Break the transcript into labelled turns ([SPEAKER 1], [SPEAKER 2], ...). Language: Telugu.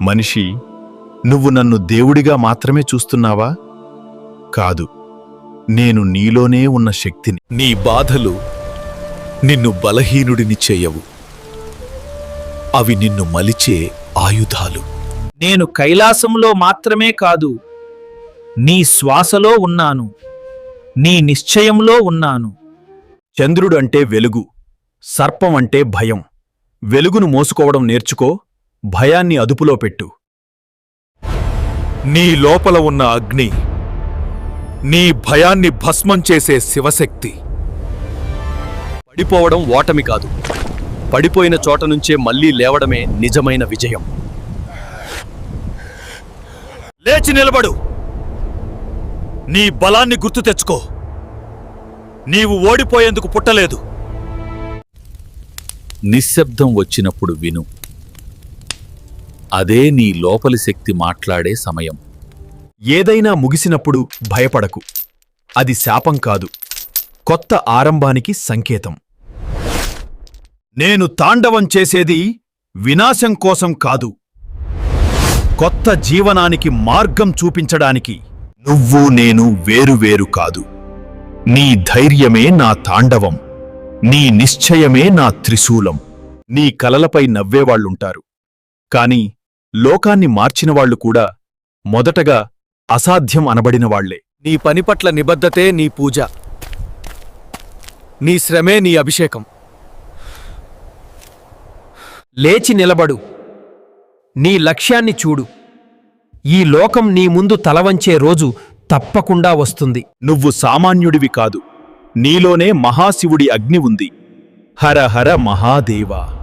[SPEAKER 1] మనిషి, నువ్వు నన్ను దేవుడిగా మాత్రమే చూస్తున్నావా? కాదు, నేను నీలోనే ఉన్న శక్తిని.
[SPEAKER 2] నీ బాధలు నిన్ను బలహీనుడిని చేయవు. అవి నిన్ను మలిచే ఆయుధాలు.
[SPEAKER 3] నేను కైలాసంలో మాత్రమే కాదు, నీ శ్వాసలో ఉన్నాను, నీ నిశ్చయంలో ఉన్నాను.
[SPEAKER 1] చంద్రుడు అంటే వెలుగు, సర్పం అంటే భయం. వెలుగును మోసుకోవడం నేర్చుకో, భయాన్ని అదుపులో పెట్టు.
[SPEAKER 2] నీ లోపల ఉన్న అగ్ని, నీ భయాన్ని భస్మం చేసే శివశక్తి.
[SPEAKER 4] పడిపోవడం ఓటమి కాదు, పడిపోయిన చోట నుంచే మళ్లీ లేవడమే నిజమైన విజయం.
[SPEAKER 2] లేచి నిలబడు. నీ బలాన్ని గుర్తు తెచ్చుకో. నీవు ఓడిపోయేందుకు పుట్టలేదు. నిశ్శబ్దం వచ్చినప్పుడు విను. అదే నీ లోపలి శక్తి మాట్లాడే సమయం.
[SPEAKER 1] ఏదైనా ముగిసినప్పుడు భయపడకు. అది శాపం కాదు, కొత్త ఆరంభానికి సంకేతం. నేను తాండవం చేసేది వినాశం కోసం కాదు, కొత్త జీవనానికి మార్గం చూపించడానికి. నువ్వు నేను వేరువేరు కాదు. నీ ధైర్యమే నా తాండవం, నీ నిశ్చయమే నా త్రిశూలం. నీ కలలపై నవ్వేవాళ్లుంటారు, కాని లోకాన్ని మార్చినవాళ్లు కూడా మొదటగా అసాధ్యం అనబడినవాళ్లే.
[SPEAKER 4] నీ పని పట్ల నిబద్ధతే నీ పూజ, నీ శ్రమే నీ అభిషేకం.
[SPEAKER 3] లేచి నిలబడు, నీ లక్ష్యాన్ని చూడు. ఈ లోకం నీ ముందు తలవంచే రోజు తప్పకుండా వస్తుంది.
[SPEAKER 1] నువ్వు సామాన్యుడివి కాదు, నీలోనే మహాశివుడి అగ్ని ఉంది. హర హర మహాదేవా.